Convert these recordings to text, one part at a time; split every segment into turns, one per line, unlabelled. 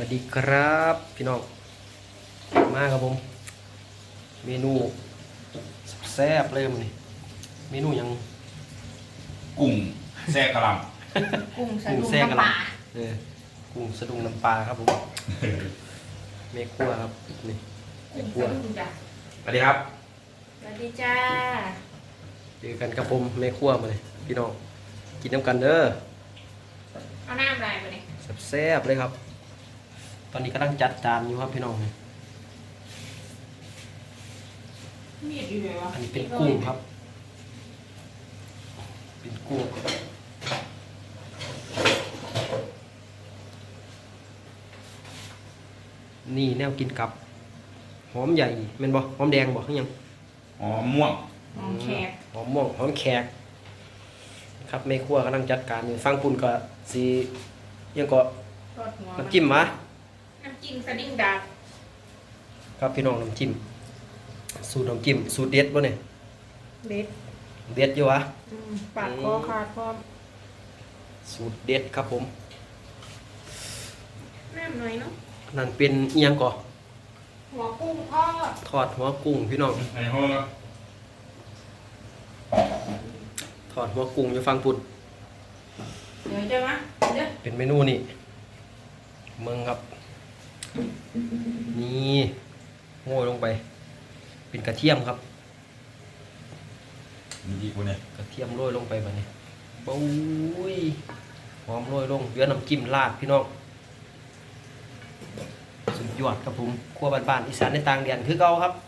สดีครับพี่น้องมาครับผมเมนูแซ่บเลยมันนี่เมนูยัง
กุ้งแซ่กะหล่
กุ้งสะ
กุ้ง
ดุ้ง
แซ่กะห
น้ำปลา
ล่ำกุ้งสะดุ้งน้ำปลาครับผมเมคั่วครับนี่เม
กุ้ง
คั่ว
สะดุ้งจ้ะ
ำสวัสดีครับ
สวัสดีจ้า
เจอกันกับผมเมคั่วมาเลยพี่น้องกินน้ำกันเด้อ
เอาน้ำลายไปเลย
แซ่บๆเลยครับ ตอนนี้กำลังจัดจานอยู่ครับพี่น้อง
มีดอยู่ไหนวะ
อันนี้เป็นกุ้งครับ เป็นกุ้งนี่แนวกินกับหอมใหญ่แม่นบ่หอมแดงบ่คือหยัง
อ๋อม่วง
หอมแขก
หอมม่วงหอมแขกครับแม่ครัวกำลังจัดการอยู่ฟังปุ่นก็สิยังก็
ทอดหัว
น้ำจิ้มมา
น้ำจิ้มสะดิ้งดาบ
ครับพี่น้องน้ำจิ้มสูตรน้ำจิ้มสูตรเด็ดบ่เนี่ย
เด็ด
เด็ดอยู่วะ
ปาดคอขาดพร้อม
สูตรเด็ดครับผม
น้ำหน่อยเนาะ
นั่นเป็นเอียงก่อ
หัวกุ้งทอด
ทอดหัวกุ้งพี่น้อง
ในห้องครับ
ทอดหัวกุ้งอยู่ฟังปุ่น
เดี๋ยวจะมาเดี๋ยว
เป็นเมนูนี่เมืองครับ นี่โง่ลงไป เป็นกระเทียมครับ
มีดีกูเนี่ย
กระเทียมโรยลงไปแบบนี้ปุ้ยหอมโรยลงเหลือน้ำจิ้มราดพี่น้องสุดยอดครับผมครัวบ้านๆอีสานในต่างแดนคือเก่าครับ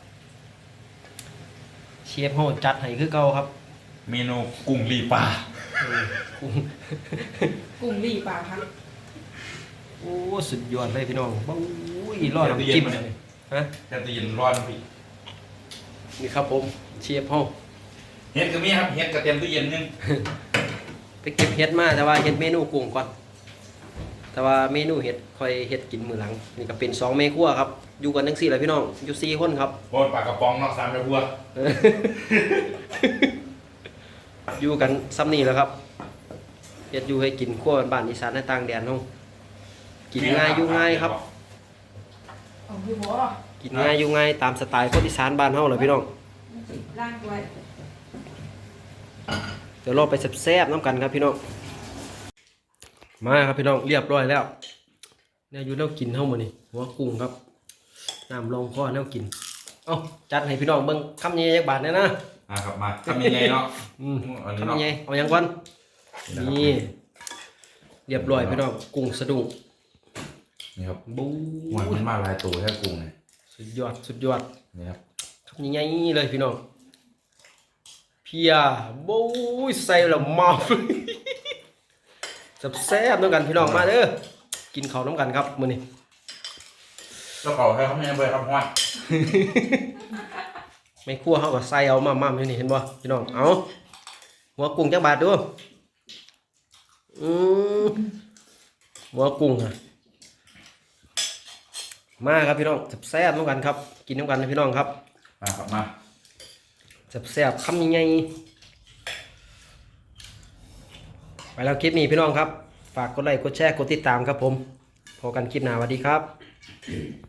เชฟเขาจัดให้คือเก่าครับ
เมนูกุ้งลีปลา
กุ้ง
กุ้งรีปลาพัก
โอ้สุดยอดเลยพี่น้องปุ้ยรอดน้ำจิ้มเลยฮะ
แต่ตีนร้อนพี่
นี่ครับผมเชฟเขา
เฮ็ดก็มีครับเฮ็ดกระเทียมตู้เย็นนึง
ไปเก็บเห็ดมาแต่ว่าเห็ดเมนูกุ้งก่อน แต่ว่าเมนูเห็ดค่อยเห็ดกินมื้อหลังนี่ก็เป็น2เมครัวครับอยู่กันจังซี่แหละพี่น้องอยู่4คนครับ
บนปลากระป๋องเนาะ3แม่ครัว
อยู่กันซ้ำนี่แหล้วครับเฮ็ดอยู่ให้กินครัวบ้านๆอีสานในต่างแดนเฮากินง่ายอยู่ง่ายครับ
ของพี่บัว
กินง่ายอยู่ง่ายตามสไตล์คนอีสานบ้านเฮาเลยพี่น้อง
ล่างไว้
เดี๋ยวเราไปแซ่บๆน้ำกันครับพี่น้องมาครับพี่น้องเรียบร้อยแล้วเนี่ยอยู่แล้วกินเฮามื้อนี้หัวกุ้งครับน้ำรองคอแนวกินเอ้าจัดให้พี่น้องเบิ่งคำใหญ่ๆจักบาทแน่นะ
ครับมาทำยังไงเนาะ อันนี้
คำ
เนาะ
ใหญ่เอาหยังก่อนนี่เรียบร้อยพี่น้องกุ้งสะดุ้ง
นี่ครับ
บู๊
หวานมันมาหลายตัวแค่กุ้งเนี่ย
สุดยอดสุดยอด
นี่ครับ
คำใหญ่ๆเลยพี่น้องเพียบู๊ยใส่แล้วเมา แซ่บๆน้ำกันพี่น้องมาเด้อกินข้าวน้ำกันครับมื้อนี้
แล้วก็ให้เขาไม่ให้เบยครับห้อน
ไม่คั่วเขาก็ใส่เอามาอยู่นี่เห็นบ่พี่น้องเอาหัวกุ้งจักบาทดูหัวกุ้งอะมาครับพี่น้องแซ่บๆน้ำกันครับกินน้ำกันนะพี่น้องครับ
มาครับมา
แซ่บๆคำใหญ่ๆไปแล้วคลิปนี้พี่น้องครับฝากกดไลค์กดแชร์กดติดตามครับผมพบกันคลิปหน้าสวัสดีครับ